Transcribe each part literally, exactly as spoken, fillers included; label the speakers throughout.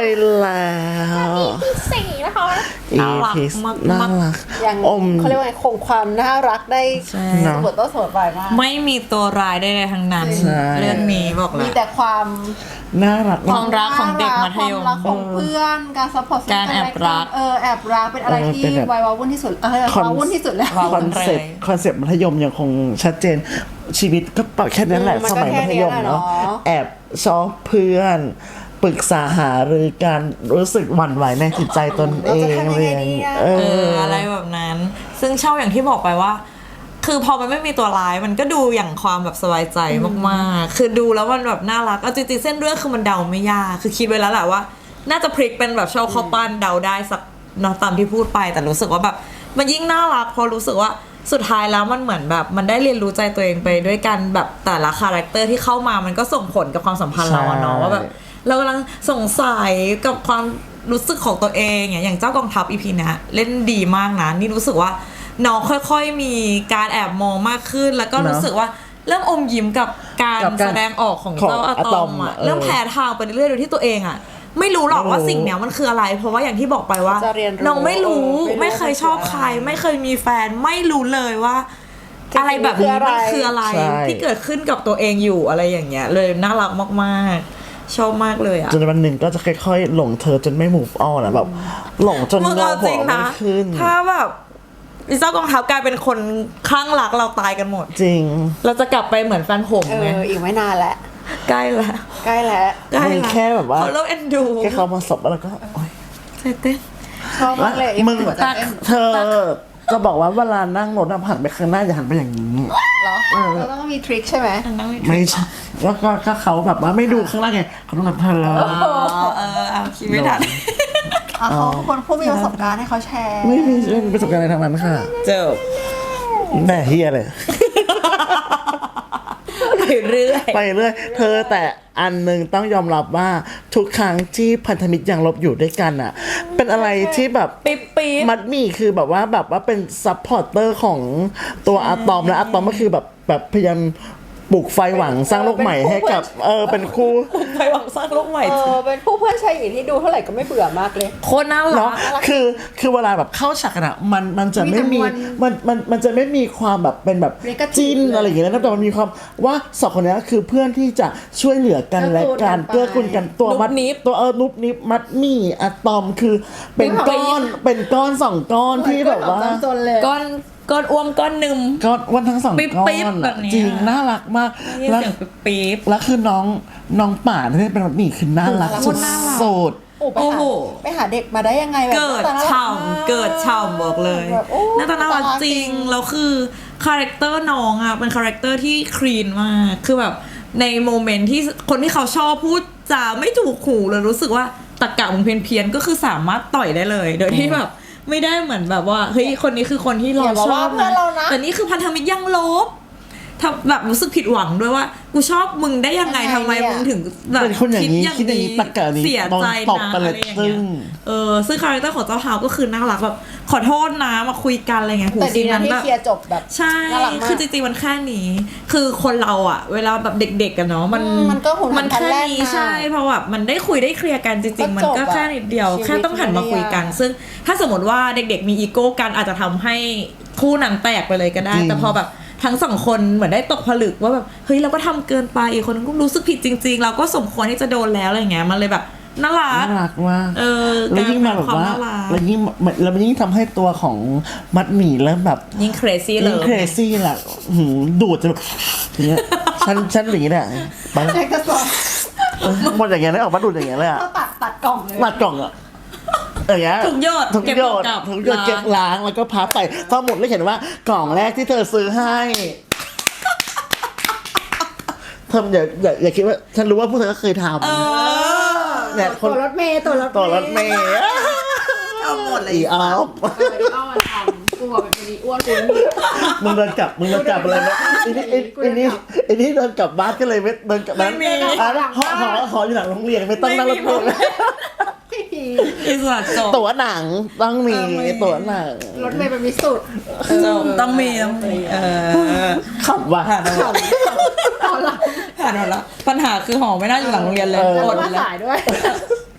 Speaker 1: แล้ว
Speaker 2: ที่สี่นะคะ
Speaker 1: น่ารักมากน่ารัก
Speaker 3: ยังเขาเรียกว่าคงความน่ารักได้เสมอต้นเสมอปลายมาก
Speaker 2: ไม่มีตัวร้ายได้เลยทั้งนั้นเรื่องนี้บอกเลย
Speaker 3: มีแต่ความ
Speaker 1: น่ารัก
Speaker 2: ความรักของเด็กมัธยม
Speaker 3: ความรักของเพื่อนการซัพพอร์ต
Speaker 2: การแอบรัก
Speaker 3: เออแอบรักเป็นอะไรที่วัยวาวุ่นที่สุดเออวาวุ่นที่สุดแล้ว
Speaker 1: คอนเซ็ปต์คอนเซ็ปต์มัธยมยังคงชัดเจนชีวิตก็ปแค่นั้นแหละสมัยมัธยมเนาะแอบชอบเพื่อนปรึกษาหารือการรู้สึกหวั่นไหวในจิตใจตนเองเลย
Speaker 2: เอออะไรแบบนั้นซึ่งชอบอย่างที่บอกไปว่าคือพอมันไม่มีตัวร้ายมันก็ดูอย่างความแบบสบายใจมากๆคือดูแล้วมันแบบน่ารักเอาจริงๆเส้นเรื่องคือมันเดาไม่ยากคือคิดไว้แล้วแหละว่าน่าจะพลิกเป็นแบบชอบข้าวปั้นเดาได้สักเนาะตามที่พูดไปแต่รู้สึกว่าแบบมันยิ่งน่ารักพอรู้สึกว่าสุดท้ายแล้วมันเหมือนแบบมันได้เรียนรู้ใจตัวเองไปด้วยกันแบบแต่ละคาแรคเตอร์ที่เข้ามามันก็ส่งผลกับความสัมพันธ์เราเนาะว่าแบบเรากำลังสงสัยกับความรู้สึกของตัวเองอย่างเจ้ากองทัพ อี พี นะเล่นดีมากนะนี่รู้สึกว่าน้องค่อยๆมีการแอบมองมากขึ้นแล้วก็รู้สึกว่าเริ่มอมยิ้มกับการแสดงออกของเจ้าอะตอมอ่ะเริ่มแผ่ทางไปเรื่อยๆโดยที่ตัวเองอ่ะไม่รู้หรอกว่าสิ่งเนี้ยมันคืออะไรเพราะว่าอย่างที่บอกไปว่าน้องไม่รู้ไม่เคยชอบใครไม่เคยมีแฟนไม่รู้เลยว่าอะไรแบบนี้มันคืออะไรที่เกิดขึ้นกับตัวเองอยู่อะไรอย่างเงี้ยเลยน่ารักมากๆชอบมากเลยอ่ะ
Speaker 1: จนวันหนึ่งก็จะค่อยๆหลงเธอจนไม่ move on อ่ะแบบหลงจนเราหัวไม่ขึ้น
Speaker 2: ถ้าแบบลิซ่ากองทัพกลายเป็นคนคลั่งรักเราตายกันหมด
Speaker 1: จริง
Speaker 2: เราจะกลับไปเหมือนแฟนผม
Speaker 3: ไหมเอออีกไม่นานแล้ว
Speaker 2: ใกล้แล้ว
Speaker 3: ใกล้แล้ว
Speaker 1: ใกล้แล้วแค่แบบว่า
Speaker 2: เขาเริ่มเอ็นดู
Speaker 1: แค่เขามาสบแล้วก็โอ๊ย
Speaker 2: เต้น
Speaker 3: ชอบมากเลย
Speaker 1: มึงเธอจะบอกว่าเวลานั่งรถหันไปข้างหน้าอย่าหันไปอย่างนี้
Speaker 3: เหรอเราต้องมีทริคใช่ไหม
Speaker 1: ไม่ใช่แล้วก็เขาแบบว่าไม่ดูข้างล่างไงเขาต้องแบบเธอ
Speaker 2: เออเอาคิดไม่ทัน
Speaker 3: เขาคนผู้มีประสบการณ์ให้เขาแชร์
Speaker 1: ไม่มีไม่มีประสบการณ์อะไรทางนั้นค่ะ
Speaker 2: เจ้า
Speaker 1: แม่เฮียเลย
Speaker 2: ไปเรื่อย
Speaker 1: ไปเรื่อยเธอแต่อันหนึ่งต้องยอมรับว่าทุกครั้งที่พันธมิตรยังลบอยู่ด้วยกันอ่ะเป็นอะไรที่แบบ
Speaker 2: ปิ๊บปิ๊บ
Speaker 1: มัดมี่คือแบบว่าแบบว่าเป็นซัพพอร์เตอร์ของตัวอะตอมและอะตอมก็คือแบบแบบพยายามปลุกไฟหวังสร้างโลกใหม่ให้กับเออเป็นคู่
Speaker 2: ปลุกไฟหวังสร้างโลกใหม่
Speaker 3: เออเป็นคู่เพื่อนชายหญิงที่ดูเท่าไหร่ก็ไม่เบื่อมากเลย
Speaker 2: โคตรน่ารัก
Speaker 1: คือคือเวลาแบบเข้าฉากกันอะมันมันจะไม่มีมันมันมันจะไม่มีความแบบเป็นแบบจิ้นอะไรอย่างเงี้ยนะแต่มันมีความว่าสองคนนี้คือเพื่อนที่จะช่วยเหลือกันและการเกื้อกูลกันตัวมัดนิบตัวเออนุบนิบมัดมี่อะตอมคือเป็นก้อนเป็นก้อนสองก้อนที่แบบว่า
Speaker 2: ก้อนก้อนอ้วมก้อนหนึ่ง
Speaker 1: ก้อนอ้วนทั้งสองก้อนจริงน่ารักมาก
Speaker 2: แล้วปี๊บ
Speaker 1: แล้วคือน้องน้องป่าที่เป็นแบบนี้คือน่ารักสุดสุด
Speaker 3: โอ้โหไปหาเด็กมาได้ยังไงแบบ
Speaker 2: เกิดฉ่ำเกิดฉ่ำบอกเลยน่าตาน่ารักจริงแล้วคือคาแรคเตอร์น้องอ่ะเป็นคาแรคเตอร์ที่คลีนมากคือแบบในโมเมนต์ที่คนที่เขาชอบพูดจาไม่ถูกหูเลยรู้สึกว่าตะกะมึงเพี้ยนเพี้ยนก็คือสามารถต่อยได้เลยโดยที่แบบไม่ได้เหมือนแบบว่าเฮ้ยคนนี้คือคนที่เราชอบนะแต่นี่คือพันธมิตรยังลบทำแบบรู้สึกผิดหวังด้วยว่ากูชอบมึงได้ยังไงทำไมมึงถึงแบบ
Speaker 1: คิดอย่างนี้
Speaker 2: เสียใจนะอะไรอย่างเงี้ยเออซึ่งคาแรคเตอร์ของเจ้าเท้าก็คือน่ารักแบบขอโทษนะมาคุยกันอะไรเงี้ย
Speaker 3: แต่ดีนะที่เคลียร์จบแบบ
Speaker 2: ใช่คือจริงๆมันแค่นี้คือคนเราอ่ะเวลาแบบเด็กๆกันเนาะมัน
Speaker 3: มัน
Speaker 2: แค่นี้ใช่เพราะแบบมันได้คุยได้เคลียร์กันจริงๆมันก็แค่นิดเดียวแค่ต้องหันมาคุยกันซึ่งถ้าสมมติว่าเด็กๆมีอีโก้กันอาจจะทำให้คู่นั้นแตกไปเลยก็ได้แต่พอแบบทั้งสองคนเหมือนได้ตกผลึกว่าแบบเฮ้ยเราก็ทำเกินไปอีกคนก็รู้สึกผิดจริงๆเราก็สมควรที่จะโดนแล้วอะไรเงี้ยมันเลยแบบน่ารัก
Speaker 1: น่ารักมาก
Speaker 2: เออ
Speaker 1: แล้วยิ่งมาแบบว่าแล้วยิ่งแล้วมันยิ่งทำให้ตัวของมัดหมี่เริ่มแบบ
Speaker 2: ยิ่ง crazy เลย
Speaker 1: ยิ่ง crazy แหละดูดจะแบบอย่างเงี้ยฉันฉันอย่างงี้แหละ
Speaker 3: ไปกระสอบ
Speaker 1: หมดอย่างเงี้ยเลยออกมาดูดอย่างเงี้ยเลยอ่ะ
Speaker 3: ตัดตัดกล่องเลย
Speaker 1: ตัดกล่องอ่ะอย่างเงี้ย
Speaker 2: ทุกยอด
Speaker 1: ทุกยอดทุกยอดเก็บล้างแล้วก็พับไปพอหมดแล้วเห็นว่ากล่องแรกที่เธอซื้อให้เธออย่าอย่าอย่าคิดว่าฉันรู้ว่าพวกเธอก็เคยทำเนี่ย
Speaker 3: ตัวรถเมย์ตัวรถ
Speaker 1: ตัวรถเมย์
Speaker 2: เอาหมดเลย
Speaker 1: อีออฟ
Speaker 3: เอามาทำกูบอกเป็นคนนี้อ้วนกู
Speaker 1: มึงเดินกลับมึงเดินกลับอะไรนะไอ้นี่ไอ้นี่ไอ้นี่เดินกลับบ้านก็เลยไม่เดินกลับบ้านอ่ะหอหอหออยู่หลังโรงเรียนไม่ต้องนั่งรถเมล์
Speaker 2: อิสระจบ
Speaker 1: ตั๋วหนังต้องมีตั๋วหนัง
Speaker 3: รถเมล์เป็นมิสุด
Speaker 2: ต้องมีต้องมีเออ
Speaker 1: ขับว่ะ
Speaker 2: ผ่านแล้วผ่านแล้วผ่านแล้วปัญหาคือหอไม่น่าอยู่หลังโรงเรียนเลย
Speaker 3: อดเลยสายด้วย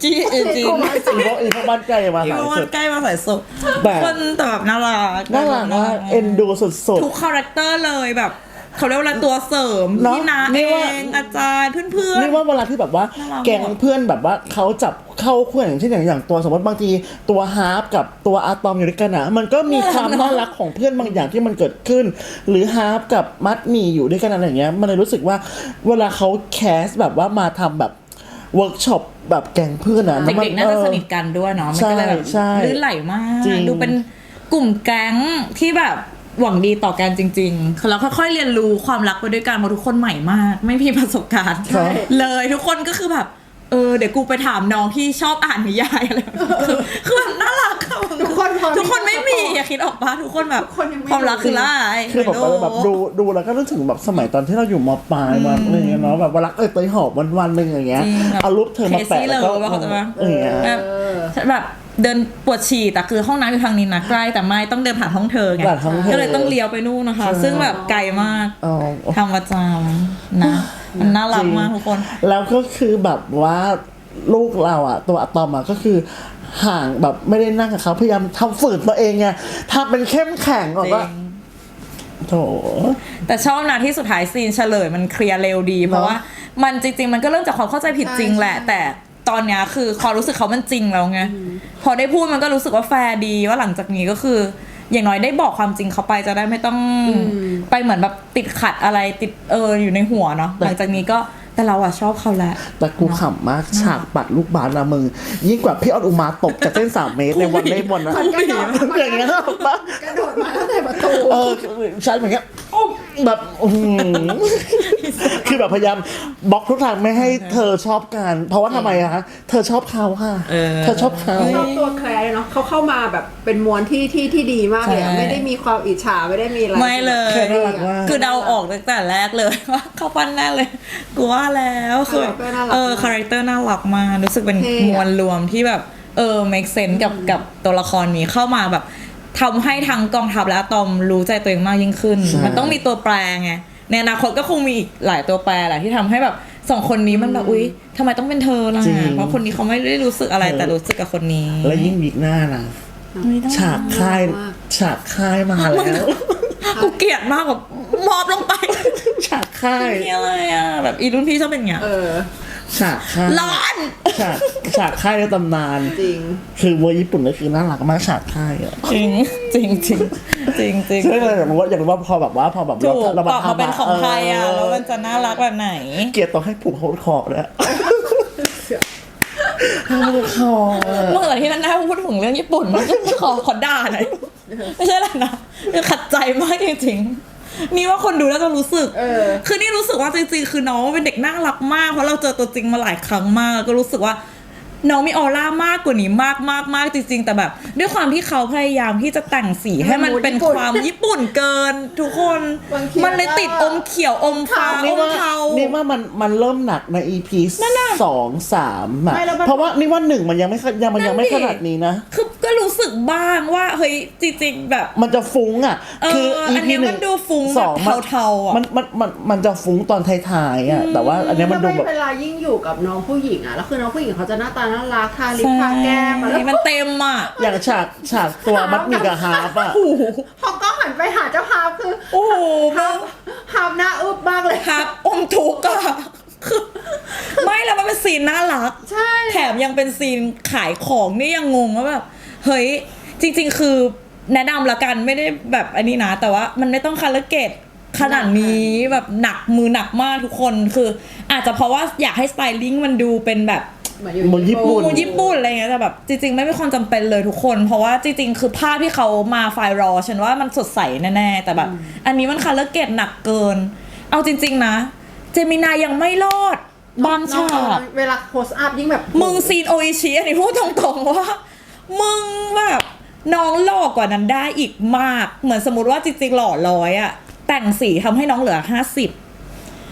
Speaker 2: จีเอจี
Speaker 1: อีพวกอีพวกบ้านใกล้มา
Speaker 2: อี
Speaker 1: สาย
Speaker 2: โม
Speaker 1: สุ
Speaker 2: น
Speaker 1: ด
Speaker 2: ใกล้มาใส่สุด
Speaker 1: แบบ
Speaker 2: คนแต่แบบน่ารัก
Speaker 1: น่ารักมากเอ็นดูสุด
Speaker 2: ทุกคาแรคเตอร์เลยแบบเขาเรียกว่าตัวเสริม
Speaker 1: เนอะ
Speaker 2: พี่นา
Speaker 1: นี่
Speaker 2: เอ
Speaker 1: ว่า
Speaker 2: งอาจารย์เพื่อน
Speaker 1: ๆนี่ว่าเวลาที่แบบว่า
Speaker 2: น่ารัก
Speaker 1: แก๊งเพื่อนแบบว่าเขาจับเข้าคู่อย่างเช่นอย่างอย่างตัวสมมติบางทีตัวฮาร์ปกับตัวอะตอมอยู่ด้วยกันนะมันก็มีความน่ารักของเพื่อนบางอย่างที่มันเกิดขึ้น หรือฮาร์ปกับมัดหมี่อยู่ด้วยกันอะไรอย่างเงี้ยมันเลยรู้สึกว่าเวลาเขาแคสแบบว่ามาทำแบบเวิร์กช็อปแบบแก๊งเพื่อนอะ
Speaker 2: ๆ
Speaker 1: แล้วมั
Speaker 2: เด็กๆน่าจะสนิทกันด้วยเนาะมันก็เลยแบบ
Speaker 1: ใช่ใช่
Speaker 2: ลื่นไหลมาก
Speaker 1: จริง
Speaker 2: ดูเป็นกลุ่มแก๊งที่แบบหวังดีต่อกันจริงๆแล้วค่อยๆเรียนรู้ความรักไปด้วยกันเพราะทุกคนใหม่มาก ไม่มีประสบการณ์
Speaker 1: ครับ
Speaker 2: เลยทุกคนก็คือแบบเออเดี๋ยวกูไปถามน้องที่ชอบอ่านนิยายอะไรแบบนี้คือคือแบบน่ารักอะ
Speaker 3: ทุกคนพอ
Speaker 2: ทุกคนไม่มีอย่าคิดออกปะทุกคนแบบ
Speaker 3: ทุกคนยังไม่
Speaker 2: ความรักคือร้าย
Speaker 1: คือแบบว่าแบบดูดูแล้วก็นึกถึงแบบสมัยตอนที่เราอยู่มปลายมาอะไรอย่างเงี้ยเนาะแบบว่ารักเอ้ยเตยหอบวันวันๆหนึงอย่างเงี้ย
Speaker 2: จริงแบบ
Speaker 1: เอารูปเธอมาแปะ
Speaker 2: Crazy
Speaker 1: แล้วก็
Speaker 2: เลยว่าเขาจะมา
Speaker 1: เอออย่างเงี้ย
Speaker 2: แบบแบบเดินปวดฉี่แต่คือห้องน้ำอยู่ทางนี้นะใกล้แต่ไม่ต้องเดินผ่านห้องเธอไง
Speaker 1: ผ่านห้องเธอ
Speaker 2: ก็เลยต้องเลี้ยวไปนู่นนะคะ ซึ่งแบบไกลมาก
Speaker 1: อ๋อ
Speaker 2: ทำประจำนะมันน่ารักมากทุกคน
Speaker 1: แล้วก็คือแบบว่าลูกเราอ่ะตัวอะตอมอ่ะก็คือห่างแบบไม่ได้นั่งกับเขาพยายามทำฝืนตัวเองไงทำเป็นเข้มแข็งบอกว่าโถ
Speaker 2: แต่ชอบนะที่สุดท้ายซีนเฉลยมันเคลียร์เร็วดี เพราะว่ามันจริง ๆ มันก็เริ่มจากความเข้าใจผิดจริงแหละ แต่ตอนเนี้ยคือความรู้สึกเขามันจริงแล้วไงพอได้พูดมันก็รู้สึกว่าแฟร์ดีว่าหลังจากนี้ก็คือ อย่างน้อยได้บอกความจริงเขาไปจะได้ไม่ต้องไปเหมือนแบบติดขัดอะไรติดเอออยู่ในหัวเนาะหลังจากนี้ก็แต่เราอะชอบเขาแหละ
Speaker 1: แต่กูขำมากฉากปัดลูกบาสนะมึงยิ่งกว่าพี่ออนอุมาตกจากเส้นสามเมตรในวันเล่บอลนะอย่างเงี้ยปะ
Speaker 3: กระโดดมาตั้งแต่ประตู
Speaker 1: เออใช่เหมือนเงี้ยแบบอื้อหือคือแบบพยายามบล็อกทุกทางไม่ให้เธอชอบกันเพราะว่าทำไมอะคะเธอชอบเขาค่ะ
Speaker 2: เออ
Speaker 1: เธอชอบเขา
Speaker 3: ชอบตัวแคลร์เนาะเขาเข้ามาแบบเป็นมวลที่ที่ที่ดีมากเลยอะ
Speaker 2: ใช่
Speaker 3: ไม่ได้มีความอิจฉาไม่ได้มีอะไร
Speaker 2: ไม่เลย
Speaker 1: แค่น่ารักมาก
Speaker 2: คือเดาออกตั้งแต่แรกเลย ว่าเขาปั้นแน่เลยกูว่าแล้วคือแบบเออคาแรคเตอร์น่ารักมากรู้สึกเป็นมวลรวมที่แบบเออ make sense กับกับตัวละครนี้เข้ามาแบบทำให้ทั้งกองทัพและอะตอมรู้ใจตัวเองมากยิ่งขึ้น
Speaker 1: ใช่
Speaker 2: มันต้องมีตัวแปรไงในอนาคตก็คงมีอีกหลายตัวแปรแหละที่ทำให้แบบสองคนนี้มันแบบอุ๊ยทำไมต้องเป็นเธอล่ะ
Speaker 1: จริง
Speaker 2: เพราะคนนี้เขาไม่ได้รู้สึกอะไรแต่รู้สึกกับคนนี้
Speaker 1: และยิ่งวิกหน้านะฉากค่ายฉากค่ายมาแล้ว
Speaker 2: กูเกลียดมากแบบมอบลงไป
Speaker 1: ฉากค่าย
Speaker 2: นี่อะไรอ่ะแบบอีรุ่นพี่ชอบเป็นอย่างเงี้ย
Speaker 3: เออ
Speaker 1: ฉากค่าย
Speaker 2: ร้อน
Speaker 1: ฉากฉากค่ายในตำนาน
Speaker 3: จริง
Speaker 1: คือเวอร์ญี่ปุ่นก็คือน่ารักมากฉากค่ายอะ
Speaker 2: จริงจริงจริงจริงจริง
Speaker 1: ใช่เลยอยากรู้ว่าอยากรู้ว่าพอแบบว่าพอแบบ
Speaker 2: ถูก
Speaker 1: เรา
Speaker 2: ตอบมาเป็นของไทยอ่ะแล้วมันจะน่ารักแบบไหน
Speaker 1: เกลียดต้องให้ผูกโฮดคอร์เลยโฮดคอร์
Speaker 2: เมื่อที่นั่นได้พูดถึงเรื่องญี่ปุ่นมันก็ขอขอด่าหน่อยไม่ใช่อะไรนะคือขัดใจมากจริงๆนี่ว่าคนดูแล้วจะรู้สึก
Speaker 3: เออ
Speaker 2: คือนี่รู้สึกว่าจริงๆคือน้องเป็นเด็กน่ารักมากเพราะเราเจอตัวจริงมาหลายครั้งมากแล้วก็รู้สึกว่าน้องมีออร่ามากกว่านี้มากมากมากจริงๆแต่แบบ ด้วยความที่เขาพยายามที่จะแต่งสีให้มันเป็นความญี่ปุ่นเกิน ทุกคน
Speaker 3: บางที
Speaker 2: มันเลยติดอมเขียวอมฟ้าอ
Speaker 1: นี่
Speaker 2: ม
Speaker 1: ว่า
Speaker 2: เทา
Speaker 1: นี่ว่ามันมันเริ่มหนักใน อี พี สองสามอะ
Speaker 3: ไม่แล้วมัน
Speaker 1: เพราะว่านี่ว่าหนึ่งมันยังไม่ยังมันยังไม่
Speaker 2: นั่
Speaker 1: ข
Speaker 2: นดิ
Speaker 1: นาดนี้นะ
Speaker 2: คือก็รู้สึกบ้างว่าเฮ้ยจริงๆแบบ
Speaker 1: มันจะฟุ้งอ่ะ
Speaker 2: เออ
Speaker 1: คือ
Speaker 2: อั
Speaker 1: อี
Speaker 2: นเนี้
Speaker 1: พี
Speaker 2: ย
Speaker 1: ห
Speaker 2: มั
Speaker 1: นึ่
Speaker 2: น
Speaker 1: ง
Speaker 2: ดูฟุ้ง
Speaker 1: สอง
Speaker 2: แบบเทาๆอะ
Speaker 1: มันมันมันมันจะฟุ้งตอนท้ายๆอ่ะแต่ว่าอันเนี้ยมันดูแบบ
Speaker 3: เวลายิ่งอยู่กับน้องผู้หญิงอ่ะแล้วคือน้องผู้หญิงเขาจะหน้าตาน่ารักทาลิปทาแก้มอะแล้ว
Speaker 2: มันเต็มอ่ะ
Speaker 1: อย่างฉากฉากตัวมัดหมีกับฮาร์ปอ่ะ
Speaker 3: พอก็หันไปหาเจ้าฮาร์ปคือ
Speaker 2: โอ้โห
Speaker 3: ฮาร์ปฮาร์ปหน้าอึบมากเลย
Speaker 2: ครับอมทุกข์อะคือไม่แล้วมันเป็นซีนน่ารัก
Speaker 3: ใช่
Speaker 2: แถมยังเป็นซีนขายของนี่ยังงงว่าแบบเฮ้ยจริงๆคือแนะนำละกันไม่ได้แบบอันนี้นะ แต่ว่ามันไม่ต้องคาร์เกตขนาดนี้แบบหนักมือหนักมากทุกคนคือ อาจจะเพราะว่าอยากให้สไตลิ่งมันดูเป็นแบบ
Speaker 3: เหมือนอยู่
Speaker 1: เหมือนญี่ปุ่น
Speaker 2: มูญี่ปุ่นอะไรเงี้ยแต่แบบจริงๆไม่มีความจำเป็นเลยทุกคน เพราะว่าจริงๆคือภาพที่เขามาไฟล์รอฉันว่ามันสดใสแน่ๆแต่แบบ อันนี้มันคาร์เกตหนักเกิน เอาจริงๆนะ เจมินายยังไม่รอดบางฉาก
Speaker 3: เวลาโพสอัพยิ่งแบบ
Speaker 2: มึงซีนโออิชิอันนี้พูดตรงๆว่า มึงแบบน้องหล่อกว่านั้นได้อีกมาก เหมือนสมมติว่าจริงๆหล่อร้อยอะแต่งสีทำให้น้องเหลือห้าสิบ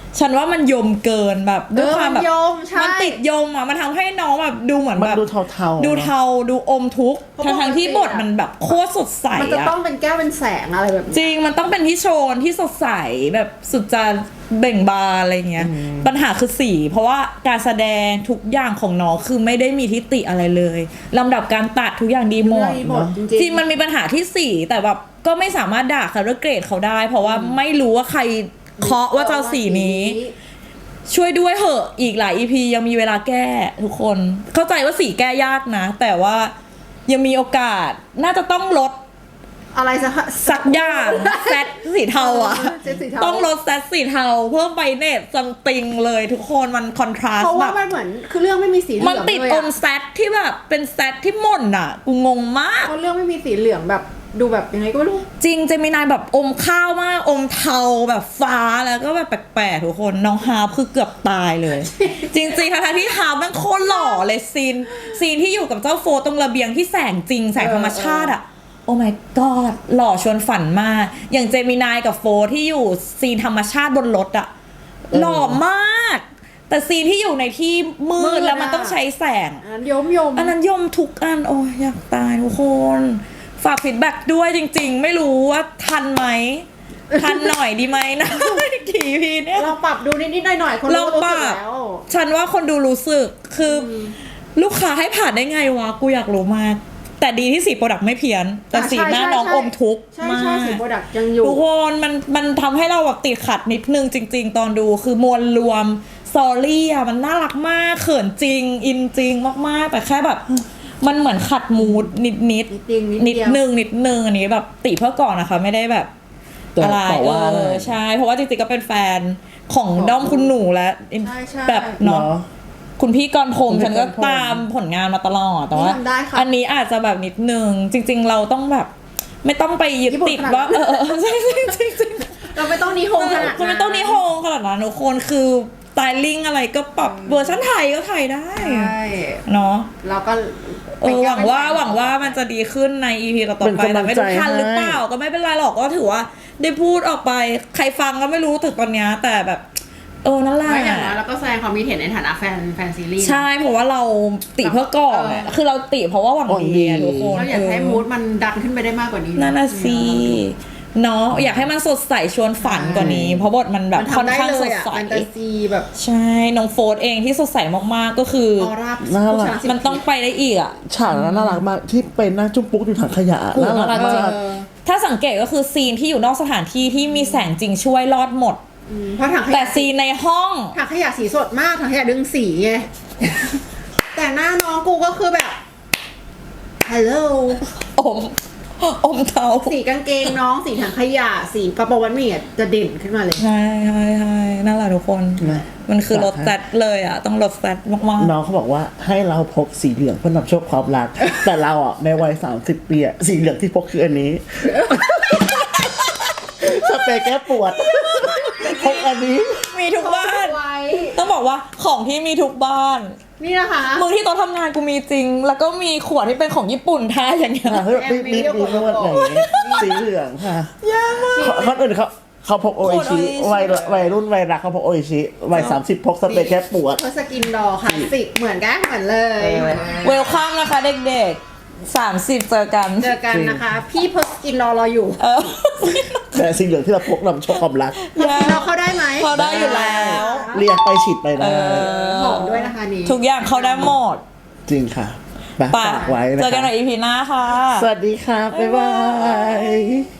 Speaker 2: ฉันว่ามันยมเกินแบบด้วยความแบบ
Speaker 3: เออมันยมใช่
Speaker 2: มันติดยมอ่ะมันทำให้น้องแบบดูเหมือน
Speaker 1: มัน
Speaker 2: แบบ
Speaker 1: ดูเทาๆ
Speaker 2: ดูเทาดูอมทุกข์
Speaker 3: เพราะ
Speaker 2: ทั้งท
Speaker 3: ปกติ
Speaker 2: ที่บทมันแบบโคตรสดใส
Speaker 3: มันจะ
Speaker 2: อะ
Speaker 3: ต้องเป็นแก้วเป็นแสงอะไรแบบนี้
Speaker 2: จริงมันต้องเป็นที่โชนที่สดใสแบบสุดจะเบ่งบานอะไรเงี้ยปัญหาคือสี เพราะว่าการแสดงทุกอย่างของน้องคือไม่ได้มีทิฏฐิอะไรเลยลำดับการตัดทุกอย่างดีหมด
Speaker 3: ดีหมดจริงๆ
Speaker 2: จริงมันมีปัญหาที่สีแต่แบบก็ไม่สามารถด่าเขาด้วยเกรดเขาได้ เพราะว่าไม่รู้ว่าใครเคาะว่าจะเอาสีนี้ ช่วยด้วยเหอะอีกหลาย อี พี ยังมีเวลาแก้ทุกคนเข้าใจว่าสีแก้ยากนะ แต่ว่ายังมีโอกาสน่าจะต้องลด
Speaker 3: อะไรสัก
Speaker 2: สักอย่างแซดสีเทาอ่ะ
Speaker 3: เซ็ตสีเทา
Speaker 2: ต้องลดแซดสีเทาเพิ่มไปเนตซัมติงเลยทุกคนมันคอนทราส
Speaker 3: เพราะ
Speaker 2: ต์แบ
Speaker 3: ว่า
Speaker 2: บ
Speaker 3: มันเหมือนคือเรื่องไม่มีสีเหลื
Speaker 2: มัน
Speaker 3: อง
Speaker 2: ติด
Speaker 3: เลย
Speaker 2: อ
Speaker 3: อะ
Speaker 2: มแซดที่แบบเป็นแซดที่หม่นอ่ะกูงงมาก
Speaker 3: เพราะเรื่องไม่มีสีเหลืองแบบดูแบบยังไงก็ไม่รู้
Speaker 2: จริงเจมินายแบบอมข้าวมากอมเทาแบบฟ้าแล้วก็แบบแปลกๆทุกคนน้องฮาร์ปคือเกือบตายเลย จริงๆทั้งๆที่ฮาร์ปมันโคตรหล่อเลยซีนซีนที่อยู่กับเจ้าโฟตรงระเบียงที่แสงจริงแสงธรรมชาติอ่ะโอ้ my god หล่อชวนฝันมากอย่างเจมินายกับโฟที่อยู่ซีนธรรมชาติบนรถอ่ะหล่อมาก แต่ซีนที่อยู่ในที่มื
Speaker 3: มื
Speaker 2: ด
Speaker 3: ด
Speaker 2: แล้วมัน
Speaker 3: อะ
Speaker 2: ต้องใช้แสง
Speaker 3: อันนั้นยมยม
Speaker 2: อันนั้นยมทุกอันโอ้ยอยากตายทุกคนฝากฟีดแบ็กด้วยจริงๆ ไม่รู้ว่าทันไหม ทันหน่อยดีไหมนะ กี่พีเนี่ย
Speaker 3: ลองปรับดูนิดๆหน่อยๆคน
Speaker 2: ล
Speaker 3: รู้
Speaker 2: อง
Speaker 3: รู้
Speaker 2: ป
Speaker 3: สึ
Speaker 2: รั
Speaker 3: ก
Speaker 2: บ
Speaker 3: แล้ว
Speaker 2: ฉันว่าคนดูรู้สึกคืออลูกค้าให้ผ่านได้ไงวะ กูอยากรู้มาก แต่ดีที่สีโปรดักต์ไม่เพี้ยน แต่สีหน้าน้องอมทุกข์
Speaker 3: ใช่
Speaker 2: มา
Speaker 3: ใช่
Speaker 2: ก
Speaker 3: สีโปรดักต์ยังอยู่
Speaker 2: ทุกคนมันมันทำให้เราแบบติดขัดนิดนึงจริง ๆ ตอนดูคือมวลรวมสตอรี่อ่ะมันน่ารักมากเขินจริง อินจริงมากๆ แต่แค่แบบ มันเหมือนขัดมูดนิดนิด
Speaker 3: นิดเดียวนิด
Speaker 2: นิด
Speaker 3: เดียว
Speaker 2: นึงนิดนึงอันนี้แบบติเพื่อก่อนนะคะ ไม่ได้แบบ
Speaker 1: แต่
Speaker 2: อะไร
Speaker 1: ต่อว่า
Speaker 2: เออใช่ เพราะว่าจริงๆก็เป็นแฟนของด้อมคุณหนูและ
Speaker 3: ใช่ใช่
Speaker 2: แบบเนาะ
Speaker 1: เนาะ
Speaker 2: คุณพี่กรณ์พรหม
Speaker 1: คุณพี่
Speaker 2: ฉันก็
Speaker 1: กรณ์พรหม
Speaker 2: ตามผลงานมาตลอดแต่ว่า
Speaker 3: นี่ทำได้ค่ะ
Speaker 2: อันนี้อาจจะแบบนิดนึง จริง ๆ เราต้องแบบ ไม่ต้องไปยึด
Speaker 3: ญี่ปุ่น
Speaker 2: ติด
Speaker 3: ขนาด
Speaker 2: ว่า
Speaker 3: นั้น
Speaker 2: เออเออใช่ใช่ใช่ใช่
Speaker 3: เราไม่ต้องนิโฮงขนาดนั้น
Speaker 2: คุณไม่ต้องนิโฮงขนาดนั้นทุกคนคือสไตลิ่งอะไรก็ปรับเวอร์ชันไทยก็ไทยได้
Speaker 3: ใช่
Speaker 2: เนาะ
Speaker 3: เราก็
Speaker 2: เออหวังว่าหวังว่ามันจะดีขึ้นใน อี พี ต่อๆ
Speaker 1: เป็น
Speaker 2: ไป
Speaker 1: กำลั
Speaker 2: แต่
Speaker 1: ง
Speaker 2: ไม่
Speaker 1: ใจ
Speaker 2: รู้ทันหรือเปล่า
Speaker 1: ให้
Speaker 2: ก็ไม่เป็นไรหรอกก็ถือว่าได้พูดออกไปใครฟังก็ไม่รู้ถึงตอนเนี้ยแต่แบบ เออนั่นแหละ
Speaker 3: ไม่อย่างน้อยเราก็แสดงความคิดเห็นในฐานะแฟนแฟนซีรีส์
Speaker 2: ใช่เพราะว่าเราติเพื่อก่อนอะ
Speaker 3: เออ
Speaker 2: คือเราติเพราะว่าหวัง
Speaker 1: หวังดี
Speaker 2: ดีอะทุกคน
Speaker 3: เราอยากให้มูดมันดันขึ้นไปได้มากกว่านี้
Speaker 2: นั่นน่ะสิเนาะอยากให้มันสดใสชวนฝันกว่านี้ เพราะบทมันแบบ
Speaker 3: มัน
Speaker 2: ค่อน
Speaker 3: ทำได้
Speaker 2: ข้าง
Speaker 3: เล
Speaker 2: ส
Speaker 3: ย
Speaker 2: ด
Speaker 3: อะ
Speaker 2: ใส
Speaker 3: แฟนตาซีแบบ
Speaker 2: ใช่น้องโฟร์เองที่สดใสมากๆก็คือ
Speaker 3: ออร่า
Speaker 1: น่ารัก
Speaker 3: ผู้ชยสิบ
Speaker 2: มันต้องไปได้อีกอะ
Speaker 1: ฉากนั้นน่ารักมากที่เป็นนั่งจุ๊บปุ๊กอยู่ถังขยะ
Speaker 2: โอ้โห
Speaker 1: น่ารัก
Speaker 2: น่ารักจริ
Speaker 1: มาง ก
Speaker 3: เออ
Speaker 2: ถ้าสังเกตก็คือซีนที่อยู่นอกสถานที่ที่มีแสงจริงช่วยรอดหมด
Speaker 3: อืมเพราะถังข
Speaker 2: แต่
Speaker 3: ยะ
Speaker 2: ซีนในห้อง
Speaker 3: ถังขยะสีสดมากถังขยะดึงสีไง แต่หน้าน้องกูก็คือแบบฮัลโหล
Speaker 2: อมอมเทา
Speaker 3: สีกางเกงน้องสีถังขยะสีกระโปรงวันหมี่อะจะเด่นขึ้นมาเลย
Speaker 2: ใช่ใช่ใช่นั่นแหละทุกคน
Speaker 1: นะ
Speaker 2: มันคือรถแซดเลยอ่ะ ต้องรถแซดมาก
Speaker 1: น้องเขาบอกว่าให้เราพกสีเหลืองเพื่อนำโชคความรัก แต่เราอ่ะในวัยสามสิบปีอ่ะสีเหลืองที่พกคืออันนี้ สเปรย์แก้ปวด พกอันนี้
Speaker 2: ๆ มีทุกบ้าน
Speaker 3: ไว้
Speaker 2: ต้องบอกว่าของที่มีทุกบ้าน
Speaker 3: นี่นะคะ
Speaker 2: มือที่โต๊ะทำงานกูมีจริง แล้วก็มีขวดที่เป็นของญี่ปุ่นแท้อย่างเงี้ย
Speaker 1: ค่ะเฮ้ยมีมีมีนวดอย่างนี้สีเหลืองค่ะคนอื่นเขาเขาพกโออิชิ
Speaker 2: โออิชิ
Speaker 1: วัยวัยรุ่นวัยรักเขาพกโออิชิวัยสามสิบพกสเปรย์แก้ปวด
Speaker 3: เพราะสกินดอคลาสสิกเหมือนกันเหมือนเลย
Speaker 2: เวลคัมนะคะเด็กๆสามสิบเจอกัน
Speaker 3: เจอกันนะคะ พี่เพอสกินรอรออยู่
Speaker 2: เออ
Speaker 1: แต่สีเหลืองที่เราพกนำโชคความรัก
Speaker 3: เพอสกินรอเข้าได้ไหม
Speaker 2: เขาได้อยู่แล้ว
Speaker 1: เรียกไปฉีดไปได้
Speaker 3: หอมด้วยนะคะนี่
Speaker 2: ทุกอย่างเขาได้หมด
Speaker 1: จริงค่ะไป
Speaker 2: ไป
Speaker 1: ฝากไว้นะ
Speaker 2: เจอกันใน
Speaker 1: คะ
Speaker 2: อีพีหน้าค่ะ
Speaker 1: สวัสดีค่ะ บ๊ายบาย